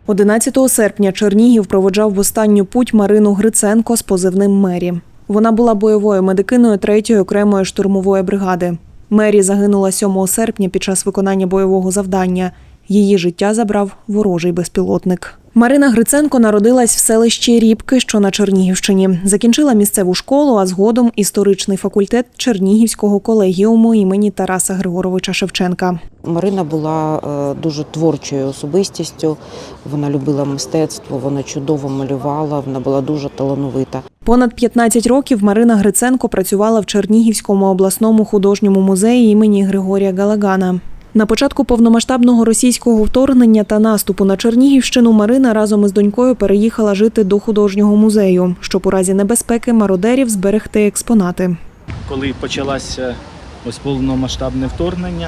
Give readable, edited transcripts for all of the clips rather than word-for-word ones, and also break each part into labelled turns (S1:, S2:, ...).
S1: 11 серпня Чернігів проводжав в останню путь Марину Гриценко з позивним «Мері». Вона була бойовою медикиною 3-ї окремої штурмової бригади. Мері загинула 7 серпня під час виконання бойового завдання. Її життя забрав ворожий безпілотник. Марина Гриценко народилась в селищі Рібки, що на Чернігівщині. Закінчила місцеву школу, а згодом історичний факультет Чернігівського колегіуму імені Тараса Григоровича Шевченка.
S2: Марина була дуже творчою особистістю, вона любила мистецтво, вона чудово малювала, вона була дуже талановита.
S1: Понад 15 років Марина Гриценко працювала в Чернігівському обласному художньому музеї імені Григорія Галагана. На початку повномасштабного російського вторгнення та наступу на Чернігівщину Марина разом із донькою переїхала жити до художнього музею, щоб у разі небезпеки мародерів зберегти експонати.
S3: Коли почалося повномасштабне вторгнення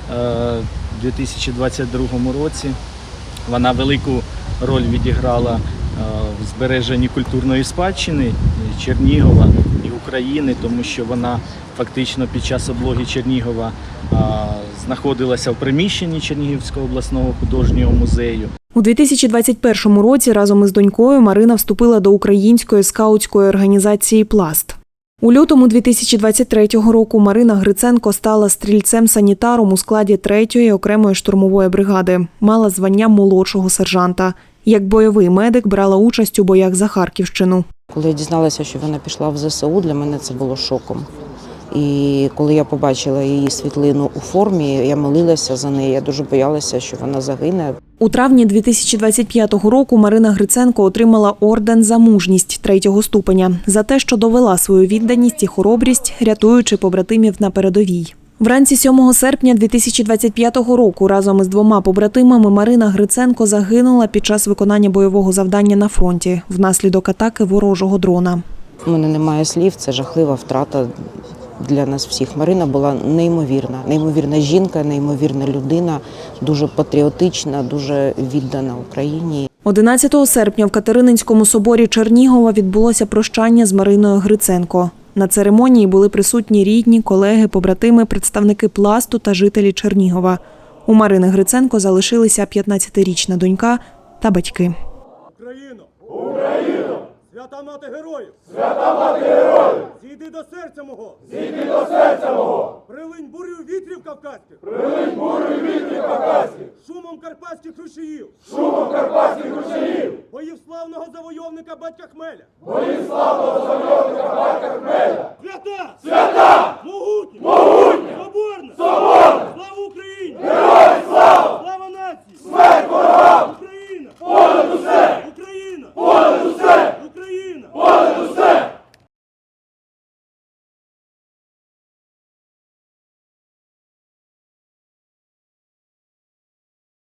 S3: у 2022 році, вона велику роль відіграла в збереженні культурної спадщини Чернігова і України, тому що вона фактично під час облоги Чернігова знаходилася в приміщенні Чернігівського обласного художнього музею.
S1: У 2021 році разом із донькою Марина вступила до української скаутської організації «Пласт». У лютому 2023 року Марина Гриценко стала стрільцем-санітаром у складі 3-ї окремої штурмової бригади. Мала звання молодшого сержанта. Як бойовий медик брала участь у боях за Харківщину.
S2: Коли я дізналася, що вона пішла в ЗСУ, для мене це було шоком. І коли я побачила її світлину у формі, я молилася за неї, я дуже боялася, що вона загине.
S1: У травні 2025 року Марина Гриценко отримала орден «За мужність» 3-го ступеня за те, що довела свою відданість і хоробрість, рятуючи побратимів на передовій. Вранці 7 серпня 2025 року разом із 2 побратимами Марина Гриценко загинула під час виконання бойового завдання на фронті внаслідок атаки ворожого дрона.
S2: У мене немає слів, це жахлива втрата для нас всіх. Марина була неймовірна жінка, неймовірна людина, дуже патріотична, дуже віддана Україні.
S1: 11 серпня в Катерининському соборі Чернігова відбулося прощання з Мариною Гриценко. На церемонії були присутні рідні, колеги, побратими, представники «Пласту» та жителі Чернігова. У Марини Гриценко залишилися 15-річна донька та батьки.
S4: Україно! Україно! Свята мати героїв! Свята мати героїв! Зійди до серця мого! Зійди до серця мого! Прилинь бурю вітрів кавказьких! Прилинь бурю вітрів кавказьких! Шумом карпатських ручаїв! Шумом карпатських ручаїв! Боїв славного завойовника батька Хмеля! Боїв славного завойовника батька Хмеля! Свята! Свята!